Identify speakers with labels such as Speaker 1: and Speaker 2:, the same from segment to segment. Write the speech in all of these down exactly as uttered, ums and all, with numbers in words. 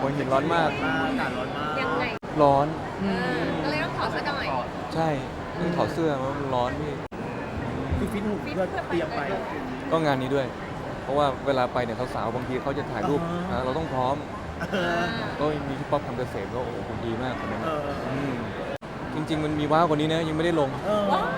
Speaker 1: หัวหินร้อนมาก
Speaker 2: มากอากาศร้อนมาก
Speaker 3: ยังไง
Speaker 1: ร้อน
Speaker 2: อืม
Speaker 3: ก็เลยต้องถอดซะหน่อย
Speaker 1: ใช่ต้องถอดเสื้อมันร้อนพี่
Speaker 2: คือฟิตหุ่นเพื่อเตรียมไป
Speaker 1: ก็งานนี้ด้วย เพราะว่าเวลาไปเนี่ยสาวๆบางทีเขาจะถ่ายรูป
Speaker 2: อ่าฮะ
Speaker 1: อ่าเราต้องพร้อม
Speaker 2: เออ
Speaker 1: ก็มีพี่ป๊อปทำเกษมก็โอ้โหคุณดีมากคนนั้น
Speaker 2: เอ
Speaker 1: นะ
Speaker 2: อ
Speaker 1: มจริง ๆ มันมีว้าวกว่านี้นะยังไม่ได้ลง
Speaker 2: เออ
Speaker 3: ว้าว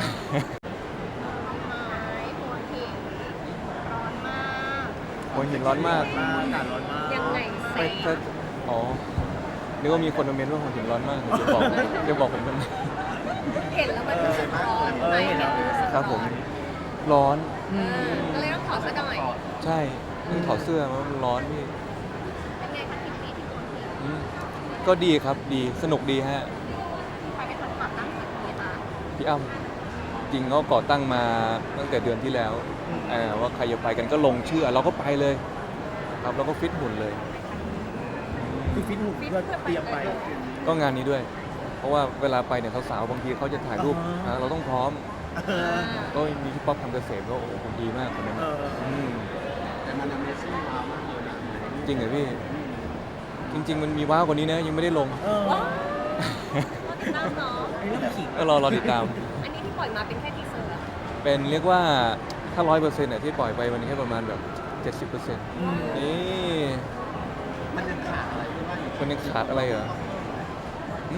Speaker 3: ไม้หัวหินร้อนมาก
Speaker 1: หัวหินร้อนมาก
Speaker 2: มากอากาศร้อนมาก
Speaker 3: ยังไงแส
Speaker 1: ไม่
Speaker 3: ง
Speaker 1: ถ้าอ๋อนึกว่ามีคนมาเมนว่าหัวหินร้อนมากเดี๋ยวบอกเดี๋ยวบอกผมกัน
Speaker 3: เห็นแล้วมันรู้สึกร้อน
Speaker 2: เออ
Speaker 3: ไหม
Speaker 2: เห็นแล้ว
Speaker 1: ครับผม ร้อน
Speaker 3: เออก็เลยต้องถอดซะหน่อย
Speaker 1: ใช่ต้องถอดเสื้อมันร้อนพี่
Speaker 3: เป็นไงคะทริปนี้ที่หัวหิน
Speaker 1: อืมก็ดีครับดีสนุกดีฮะ
Speaker 3: ใครเป็นคนก่อตั้งทริปนี้คะ
Speaker 1: พี่อ้ำจริงเขาก่อตั้งมาตั้งแต่เดือนที่แล้วเอ่อว่าใครจะไปกันก็ลงชื่อเราก็ไปเลย ครับเราก็ฟิตหุ่นเลย
Speaker 2: คือฟิตหุ่นเพื่อเตรียมไป
Speaker 1: ก็งานนี้ด้วย เพราะว่าเวลาไปเนี่ยสาวๆบางทีเขาจะถ่ายรูป
Speaker 2: อ่าฮะ
Speaker 1: อ่าเราต้องพร้อม
Speaker 2: เออ
Speaker 1: ก็มีพี่ป๊อปทำเกษมก็โอ้โหคุณดีมากคนนั้น
Speaker 2: เอ
Speaker 1: นะ
Speaker 2: อ
Speaker 1: ม
Speaker 4: แต่มัน Amazing ว้าวมากเลยนะ
Speaker 1: จริงเหรอพี่ จริง ๆ มันมีว้าวกว่านี้นะยังไม่ได้ลง
Speaker 2: เออ
Speaker 3: ว้าวรอติดตามเนาะ
Speaker 2: อันนี้ต้องขิง
Speaker 1: ก็รอรอติดตาม
Speaker 3: อันนี้ที่ปล่อยมาเป็นแค่ทีเซอร์อะ
Speaker 1: เป็นเรียกว่าถ้าร้อยเปอร์เซ็นต์ที่ปล่อยไปมันแค่ประมาณแบบเจ็ดสิบเปอร์เซ็นต์
Speaker 2: อืม
Speaker 1: นี่
Speaker 4: มันยังขาดอะไรที่ว่าอยู่
Speaker 1: มันยังขาดอะไรเหรอหึ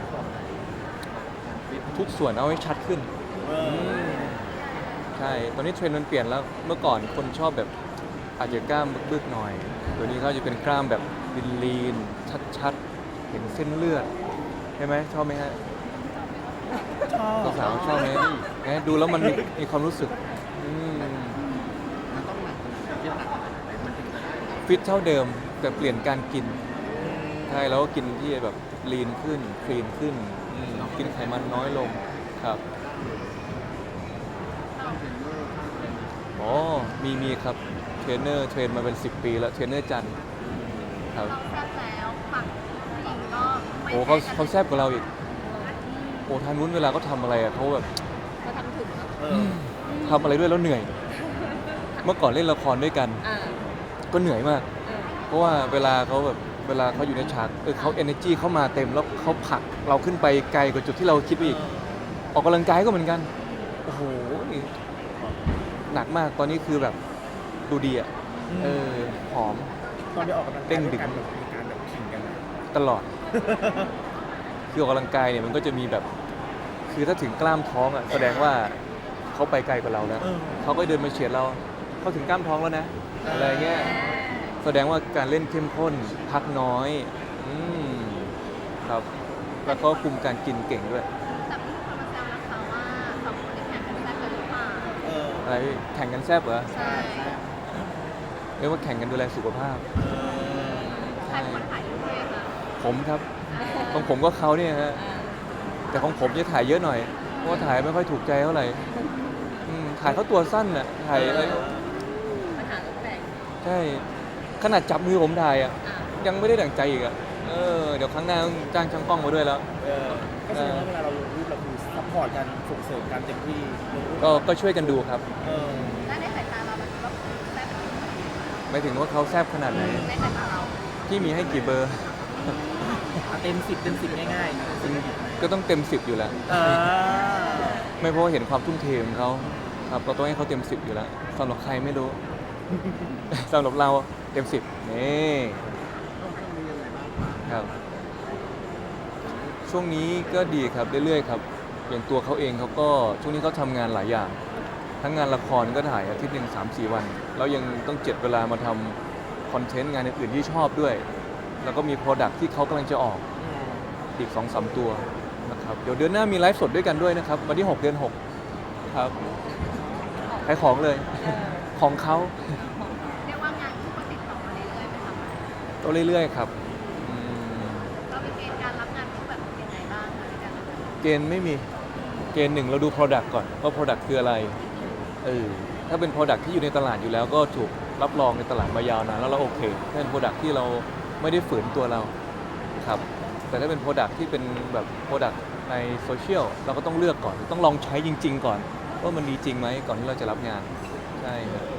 Speaker 1: ทุกส่วนเอาให้ชัดขึ้น
Speaker 2: เออ
Speaker 1: ใช่ ตอนนี้เทรนด์มันเปลี่ยนแล้ว เมื่อก่อนคนชอบแบบอาจจะกล้ามบึกๆหน่อยเดี๋ยวนี้เขาจะเป็นกล้ามแบบลีนๆชัดๆ เห็นเส้นเลือด ใช่ไหมชอบไหมฮะ
Speaker 2: ชอบ
Speaker 1: สาวๆชอบไหมไงดูแล้วมันมีมีความรู้สึกอืม
Speaker 4: มันต้องหนักขนาดไหนที่หนักขนาดไหนมันถึงจะได้
Speaker 1: ฟิตเท่าเดิม แต่เปลี่ยนการกิน ใช่แล้วก็กินที่แบบลีนขึ้นคลีนขึ้นอืมกินไขมันน้อยลงครับ
Speaker 4: ต้องเทรนเนอร์ต้องเทรนเนอร์
Speaker 1: อ๋อมีมีครับเทรนเนอร์เทรนมาเป็นสิบปีแล้วเทรนเนอร์จันทร์ครับ
Speaker 3: เราแซ่บแล้วฝั่งผู้หญิงก็ไม่
Speaker 1: โอ้เขาเขาแซ่บกว่าเราอีกโอ้ทางนู้นเวลาเขาทำอะไรอะเขาแบบ
Speaker 3: เขาทำถึงเนอะ
Speaker 2: เออ
Speaker 1: ทำอะไรด้วยแล้วเหนื่อย เมื่อก่อนเล่นละครด้วยกัน
Speaker 3: อ่า
Speaker 1: ก็เหนื่อยมาก
Speaker 3: เออ
Speaker 1: เพราะว่าเวลาเขาแบบเวลาเขาอยู่ในฉากเออเขา energy เข้ามาเต็มแล้วเขาผลักเราขึ้นไปไกลกว่าจุดที่เราคิดไว้อีก ออกกำลังกายก็เหมือนกัน โอ้โห หนักมาก ตอนนี้คือแบบดูดีอ่ะ เออ หอม
Speaker 2: ตอนไปออกกำลังกาย
Speaker 1: เด้งดึ
Speaker 2: ด้วย
Speaker 1: ง
Speaker 2: กันแบบมีการแบบขิงกันนะ
Speaker 1: ตลอด คือออกกำลังกายเนี่ยมันก็จะมีแบบ คือถ้าถึงกล้ามท้องอ่ะแสดงว่าเขาไปไกลกว่าเราแล้ว
Speaker 2: เออ
Speaker 1: เขาก็เดินมาเฉียดเรา เขาถึงกล้ามท้องแล้วนะ อะไรเงี้ย แสดงว่าการเล่นเข้มข้น พักน้อย อืมครับ แล้วก็คุมการกินเก่งด้วย
Speaker 3: แต่มีคนมาแซวนะคะว่าสองคนนี้แข่งกันแซ่บกันหรือเปล่า
Speaker 2: เออ
Speaker 1: อะไรพี่แข่งกันแซบเหรอ
Speaker 3: ใช่
Speaker 1: เรียกว่าแข่งกันดูแลสุขภาพ
Speaker 2: เออ
Speaker 3: ใครเป็นคนถ่ายรูปเลยคะ
Speaker 1: ผมครับของผมก็เขาเนี่ยฮะ แต่ของผมจะถ่ายเยอะหน่อย เพราะว่าถ่ายไม่ค่อยถูกใจเท่าไหร่อืมถ่ายเขาตัวสั้นน่ะ ถ่ายอะไร
Speaker 3: ปัญหาแปลก
Speaker 1: ใช่ ขนาดจับมือผมถ่ายอ่ะ
Speaker 3: อ่า
Speaker 1: ยังไม่ได้ดั่งใจอีกอ่ะ เออ เดี๋ยวครั้งหน้าต้องจ้างช่างกล้องมาด้วยแล้ว
Speaker 2: เออก็แสดงว่าเวลาเราลงรูปเราคือซัพพอร์ตกันส่งเสริมกันเต็มที่ลงรูป
Speaker 1: ก็ก็ช่วยกันดูครับ
Speaker 2: เออ
Speaker 3: และในสายตาเรามันก็แซ่บ
Speaker 1: ไม่ถึงว่าเขาแซบขนาดไหน
Speaker 3: ในสายตาเรา
Speaker 1: พี่มีให้กี่เบอร์
Speaker 2: อ่ะเต็มสิบเต็มสิบง่ายๆสิบ
Speaker 1: ก็ต้องเต็มสิบอยู่แล้ว
Speaker 2: เออ
Speaker 1: ไม่เพราะว่าเห็นความทุ่มเทของเขาครับเราต้องให้เขาเต็มสิบอยู่แล้วสำหรับใครไม่รู้ สำหรับเราเต็มสิบนี่
Speaker 4: ต้องต้องมียังไงบ้างครับ
Speaker 1: ครับ ช่วงนี้ก็ดีครับเรื่อยๆครับ อย่างตัวเขาเองเขาก็ช่วงนี้เขาทำงานหลายอย่าง ทั้งงานละครก็ถ่ายอาทิตย์หนึ่งสามสี่วัน แล้วยังต้องเจ็ดเวลามาทำคอนเทนต์งานอื่นๆที่ชอบด้วย แล้วก็มีโปรดักที่เขากำลังจะออกอีกสองสามตัวนะครับเดี๋ยวเดือนหน้ามีไลฟ์สดด้วยกันด้วยนะครับวันที่หกเดือนหกครับขายของเลย ของเขา
Speaker 3: เรียกว่างานคู่ก็ติดต่อมาเรื่อยๆไปทำอะไร
Speaker 1: ก็เรื่อยๆครับอืม
Speaker 3: เราเป็นเกณฑ์การรับงานคู่แบบยังไงบ้างคะในการ
Speaker 1: เกณฑ์ไม่มีเกณฑ์หนึ่งเราดู Product ก่อนว่า Product คืออะไรเออถ้าเป็น Product ที่อยู่ในตลาดอยู่แล้วก็ถูกรับรองในตลาดมายาวนานแล้วเราโอเคถ้าเป็น Product ที่เราไม่ได้ฝืนตัวเราครับแต่ถ้าเป็น Product ที่เป็นแบบ Product ในโซเชียลเราก็ต้องเลือกก่อนต้องลองใช้จริง ๆ ก่อนว่ามันดีจริงไหมก่อนที่เราจะรับงานใช่ครับ